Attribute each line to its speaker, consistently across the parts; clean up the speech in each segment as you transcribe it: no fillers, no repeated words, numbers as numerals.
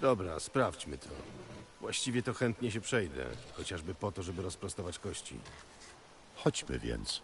Speaker 1: Dobra, sprawdźmy to. Właściwie to chętnie się przejdę, chociażby po to, żeby rozprostować kości.
Speaker 2: Chodźmy więc.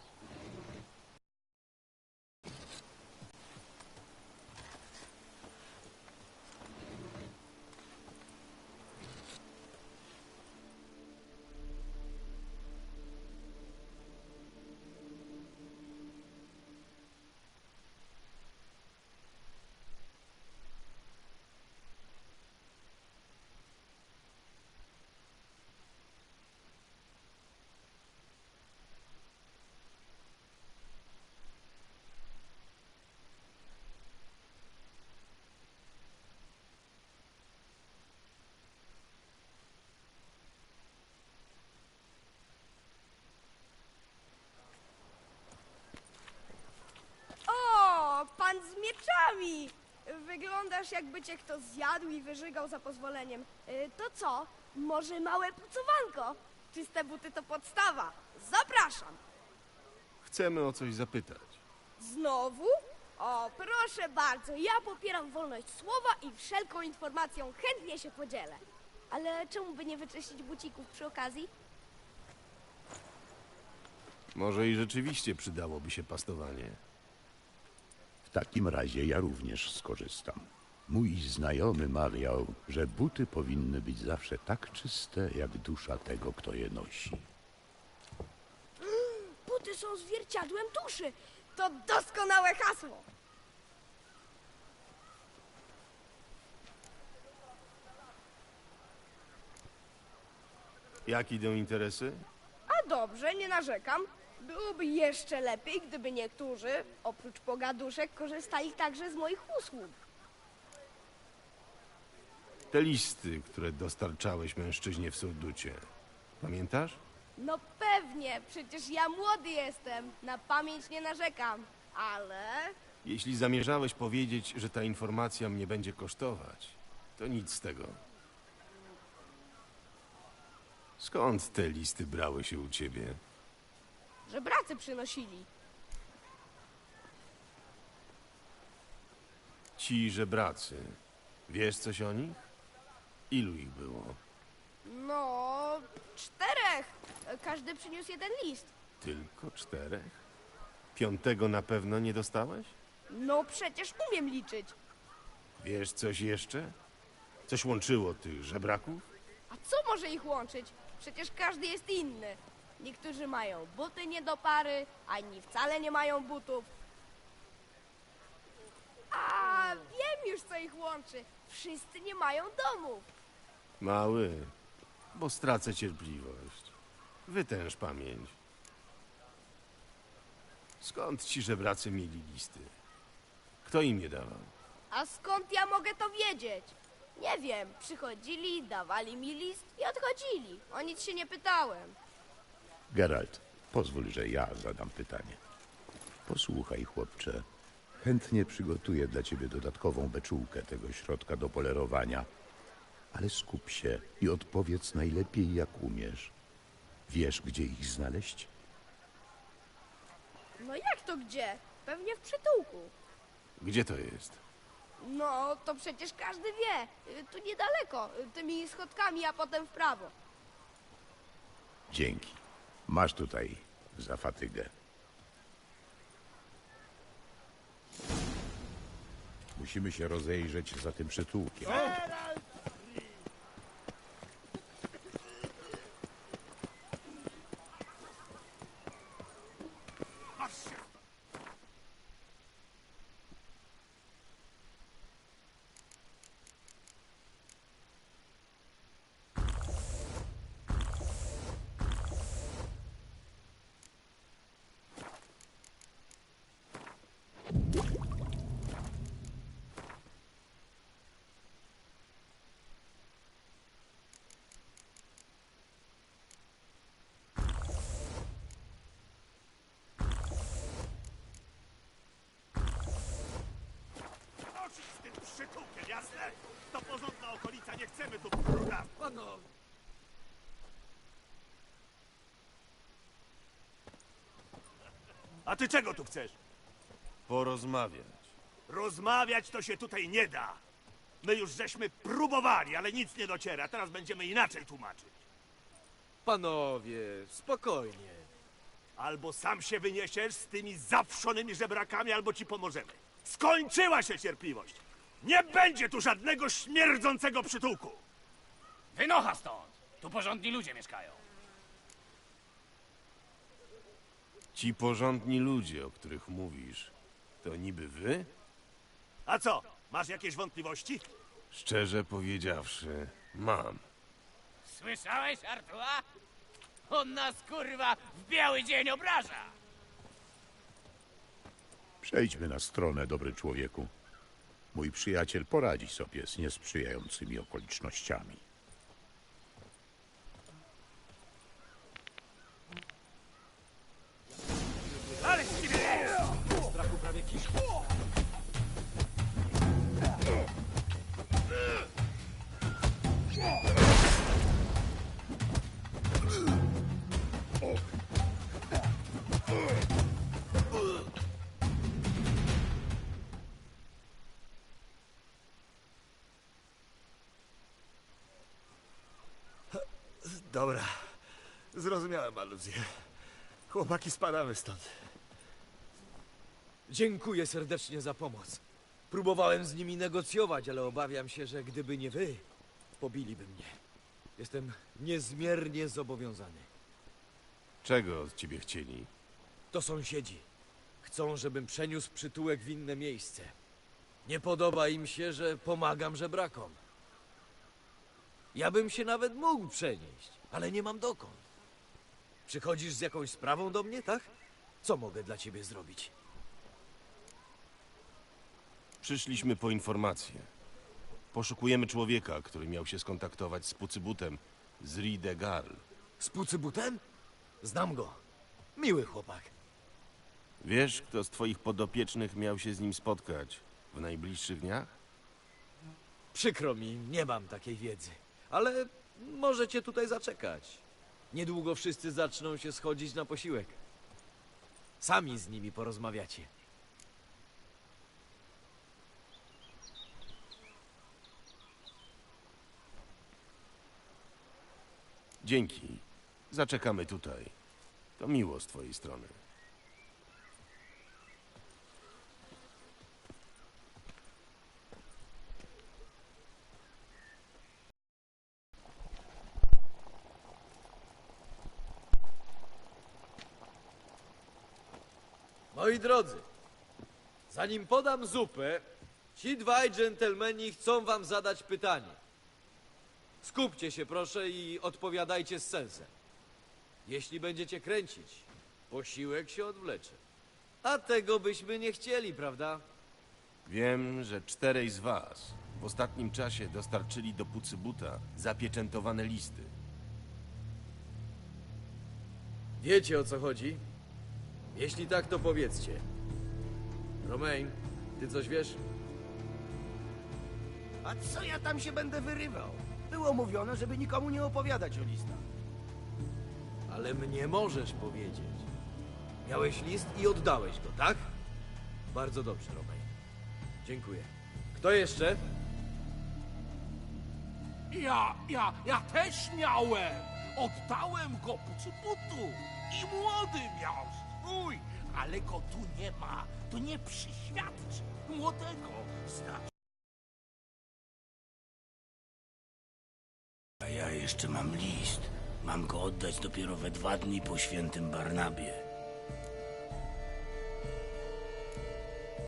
Speaker 3: O, pan z mieczami! Wyglądasz, jakby cię kto zjadł i wyżygał za pozwoleniem. To co? Może małe pucowanko? Czyste buty to podstawa. Zapraszam!
Speaker 1: Chcemy o coś zapytać.
Speaker 3: Znowu? O, proszę bardzo, ja popieram wolność słowa i wszelką informacją chętnie się podzielę. Ale czemu by nie wyczyścić bucików przy okazji?
Speaker 1: Może i rzeczywiście przydałoby się pastowanie.
Speaker 2: W takim razie ja również skorzystam. Mój znajomy mawiał, że buty powinny być zawsze tak czyste, jak dusza tego, kto je nosi.
Speaker 3: Buty są zwierciadłem duszy. To doskonałe hasło.
Speaker 1: Jak idą interesy?
Speaker 3: A dobrze, nie narzekam. Byłoby jeszcze lepiej, gdyby niektórzy, oprócz pogaduszek, korzystali także z moich usług.
Speaker 1: Te listy, które dostarczałeś mężczyźnie w Surducie. Pamiętasz?
Speaker 3: No pewnie, przecież ja młody jestem. Na pamięć nie narzekam. Ale...
Speaker 1: Jeśli zamierzałeś powiedzieć, że ta informacja mnie będzie kosztować, to nic z tego. Skąd te listy brały się u ciebie?
Speaker 3: żebracy przynosili.
Speaker 1: Ci żebracy. Wiesz coś o nich? Ilu ich było?
Speaker 3: No, 4. Każdy przyniósł jeden list.
Speaker 1: Tylko 4? 5 na pewno nie dostałeś?
Speaker 3: No przecież umiem liczyć.
Speaker 1: Wiesz coś jeszcze? Coś łączyło tych żebraków?
Speaker 3: A co może ich łączyć? Przecież każdy jest inny. Niektórzy mają buty nie do pary, a inni wcale nie mają butów. A wiem już, co ich łączy. Wszyscy nie mają domów.
Speaker 1: Mały, bo stracę cierpliwość. Wytęż pamięć. Skąd ci żebracy mieli listy? Kto im je dawał?
Speaker 3: A skąd ja mogę to wiedzieć? Nie wiem. Przychodzili, dawali mi list i odchodzili. O nic się nie pytałem.
Speaker 2: Geralt, pozwól, że ja zadam pytanie. Posłuchaj, chłopcze. Chętnie przygotuję dla ciebie dodatkową beczułkę tego środka do polerowania, ale skup się i odpowiedz najlepiej, jak umiesz. Wiesz, gdzie ich znaleźć?
Speaker 3: No jak to gdzie? Pewnie w przytułku.
Speaker 1: Gdzie to jest?
Speaker 3: No, to przecież każdy wie. Tu niedaleko, tymi schodkami, a potem w prawo.
Speaker 2: Dzięki. Masz tutaj za fatygę. Musimy się rozejrzeć za tym przytułkiem.
Speaker 4: Nosić z tym przytułkiem, jasne? To porządna okolica, nie chcemy tu bruda. A ty czego tu chcesz?
Speaker 1: Porozmawiać.
Speaker 4: Rozmawiać to się tutaj nie da. My już żeśmy próbowali, ale nic nie dociera. Teraz będziemy inaczej tłumaczyć.
Speaker 5: Panowie, spokojnie.
Speaker 4: Albo sam się wyniesiesz z tymi zawszonymi żebrakami, albo ci pomożemy. Skończyła się cierpliwość. Nie będzie tu żadnego śmierdzącego przytułku.
Speaker 6: Wynocha stąd! Tu porządni ludzie mieszkają.
Speaker 1: Ci porządni ludzie, o których mówisz, to niby wy?
Speaker 4: A co, masz jakieś wątpliwości?
Speaker 1: Szczerze powiedziawszy, mam.
Speaker 6: Słyszałeś, Artua? On nas, kurwa, w biały dzień obraża!
Speaker 2: Przejdźmy na stronę, dobry człowieku. Mój przyjaciel poradzi sobie z niesprzyjającymi okolicznościami.
Speaker 4: Ale z ciebie jest!
Speaker 5: Strachu prawie kiszku.
Speaker 4: Dobra, zrozumiałem aluzję. Chłopaki, spadamy stąd.
Speaker 5: Dziękuję serdecznie za pomoc. Próbowałem z nimi negocjować, ale obawiam się, że gdyby nie wy, pobiliby mnie. Jestem niezmiernie zobowiązany.
Speaker 1: Czego od ciebie chcieli?
Speaker 5: To sąsiedzi. Chcą, żebym przeniósł przytułek w inne miejsce. Nie podoba im się, że pomagam żebrakom. Ja bym się nawet mógł przenieść, ale nie mam dokąd. Przychodzisz z jakąś sprawą do mnie, tak? Co mogę dla ciebie zrobić?
Speaker 1: Przyszliśmy po informację. Poszukujemy człowieka, który miał się skontaktować z Pucybutem z Ride Garl.
Speaker 5: Z Pucybutem? Znam go. Miły chłopak.
Speaker 1: Wiesz, kto z twoich podopiecznych miał się z nim spotkać w najbliższych dniach?
Speaker 5: Przykro mi, nie mam takiej wiedzy. Ale możecie tutaj zaczekać. Niedługo wszyscy zaczną się schodzić na posiłek. Sami z nimi porozmawiacie.
Speaker 1: Dzięki. Zaczekamy tutaj. To miło z twojej strony.
Speaker 5: Moi drodzy, zanim podam zupę, ci dwaj dżentelmeni chcą wam zadać pytanie. Skupcie się proszę i odpowiadajcie z sensem. Jeśli będziecie kręcić, posiłek się odwlecze. A tego byśmy nie chcieli, prawda?
Speaker 1: Wiem, że 4 z was w ostatnim czasie dostarczyli do Pucybuta zapieczętowane listy.
Speaker 5: Wiecie, o co chodzi? Jeśli tak, to powiedzcie. Romain, ty coś wiesz?
Speaker 7: A co ja tam się będę wyrywał? Było mówione, żeby nikomu nie opowiadać o listach.
Speaker 5: Ale mnie możesz powiedzieć. Miałeś list i oddałeś go, tak? Bardzo dobrze, Romain. Dziękuję. Kto jeszcze?
Speaker 8: Ja też miałem. Oddałem go Pucybutu i młody miał swój, ale go tu nie ma. To nie przyświadczy. Młodego znaczy.
Speaker 7: A ja jeszcze mam list. Mam go oddać dopiero we 2 dni po świętym Barnabie.